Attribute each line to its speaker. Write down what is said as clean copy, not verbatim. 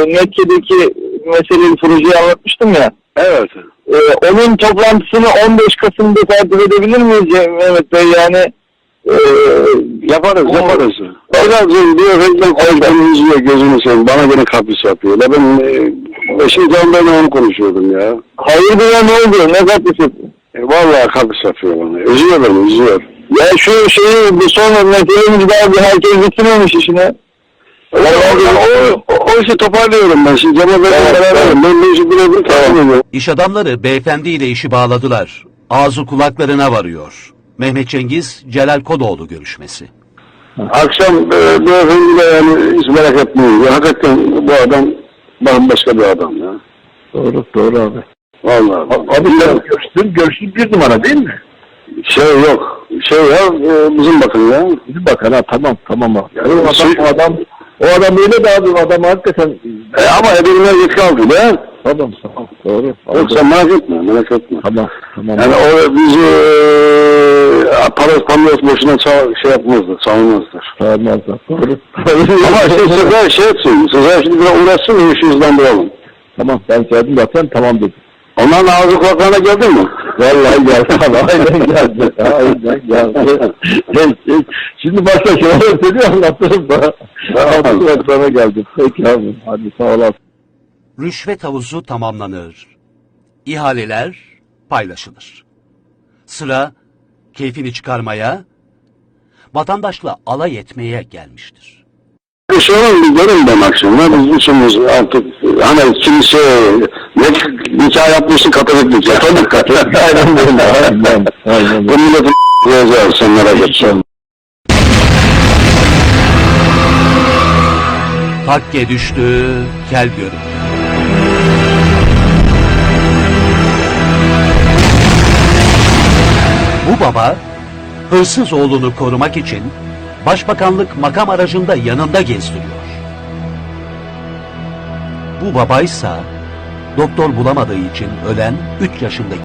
Speaker 1: Mekke'deki meseleyi, projeyi anlatmıştım ya.
Speaker 2: Evet.
Speaker 1: Onun toplantısını 15 Kasım'da takip edebilir miyiz Mehmet Bey? Yani
Speaker 2: Yaparız.
Speaker 1: Hocam
Speaker 2: Diyor reklam konuşmanı izliyor, gözünü seveyim. Bana gene kapris yapıyor. Ben şimdi onlarla onu konuşuyordum ya.
Speaker 1: hayırdır ya, ne oldu? Ne kapısı?
Speaker 2: Vallahi kapris yapıyor bana. Üzüyor beni, üzüyor.
Speaker 1: Ya şu şeyi, bu son meselemiz daha bir herkes bitirmemiş işini.
Speaker 2: O işi toparlıyorum ben. Şimdi Cemal Bey'le beraberim. Ben bu işi birebir takip ediyorum.
Speaker 3: İş adamları beyefendiyle işi bağladılar. Ağzı kulaklarına varıyor. Mehmet Cengiz, Celal Kodoğlu görüşmesi.
Speaker 2: Akşam beyefendiyle yani hiç merak etmeyin. Ya, hakikaten bu adam bambaşka bir adam ya.
Speaker 1: Doğru abi.
Speaker 2: Vallahi.
Speaker 1: Abi sen görüştün bir numara değil mi?
Speaker 2: Şey yok. Bizim bakın ya.
Speaker 1: Bizim bakan ha, tamam abi. Yani o
Speaker 2: Şey-
Speaker 1: adam öyle de abi, o adam hakikaten.
Speaker 2: Ama ebeline yetki aldı ya.
Speaker 1: Tamam doğru.
Speaker 2: Yoksa merak etme.
Speaker 1: Tamam.
Speaker 2: Yani o bizi parası boşuna şey yapmazdı, savunmazlar.
Speaker 1: Sağlamazlar. Doğru.
Speaker 2: Ama Sezer şey etsin, Sezer şimdi biraz uğraşsın, işi hızlandıralım.
Speaker 1: Tamam, ben geldim zaten, tamam dedim.
Speaker 2: Onların ağzı kulaklarına geldin mi?
Speaker 1: Vallahi geldi abi, aynen geldi. Şimdi başka şeyler söylüyor, anlatırım da. Tamam. Sana geldim. Peki abi, hadi sağ olasın.
Speaker 3: Rüşvet havuzu tamamlanır. İhaleler paylaşılır. Sıra keyfini çıkarmaya, vatandaşla alay etmeye gelmiştir.
Speaker 2: Bu sorun bir görün ben akşamda. Biz üçümüz artık hani kimse nikah yapmışsın, Katolik nikah. Katolik.
Speaker 1: Aynen.
Speaker 2: Bu milletin diyeceğiz sen merak etme.
Speaker 3: Takke düştü, kel göründü. Bu baba, hırsız oğlunu korumak için başbakanlık makam aracında yanında gezdiriyor. Bu babaysa doktor bulamadığı için ölen 3 yaşındaki